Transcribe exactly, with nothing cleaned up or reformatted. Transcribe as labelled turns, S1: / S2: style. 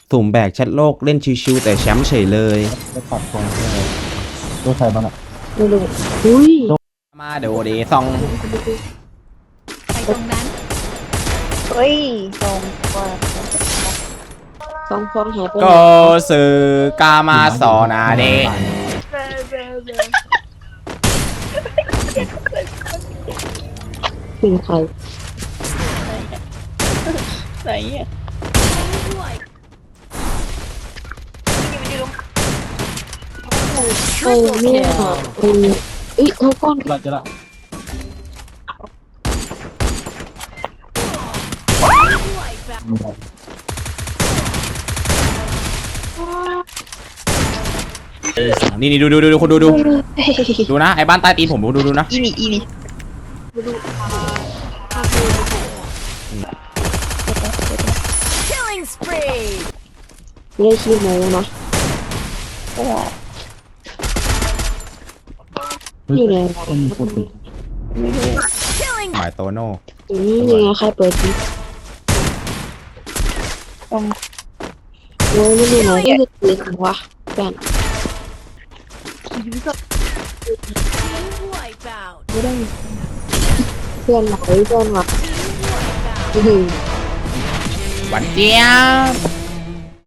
S1: สุ่มแบกแชทโลกเล่นชิวๆแต่แชมป์เฉยเลย
S2: จะตัดตรงนี้ตัวใครบ้างอ่ะ
S3: ไม่รู้อุ้ย
S1: มาเดี๋ยวดีซอง
S4: ไปตรงนั้น
S3: เฮ้ยสองกว่าสองฟองหายไปไหน
S1: ก็สื่อกามาสอนาเด
S3: เป็นใคร
S4: ไหนอ่ะ
S3: ใครเนี่ยเออเอ้ยเขาก้อน
S2: เราจะละ
S1: นี่นี่ดูดูดูดูคนดูดูดูนะไอ้บ้านใต้ตีนผมดูดูดูนะ
S4: อีนี่อีนี่ Killing spree
S3: เรียกชื่อโมนะอยู่ไหน
S2: ต้องมีคนติด
S4: Killing
S1: หมายโตโน่
S3: อืมยังไงใครเปิดดิโอ้ยไม่รู้นะนี่คือปืนของวะแฟน
S4: wipe out
S3: ไม่ได้เพื่อนไหนเพื่อนวะ
S4: wipe out
S3: อื้อหือ
S1: หวันเจี๊ยบ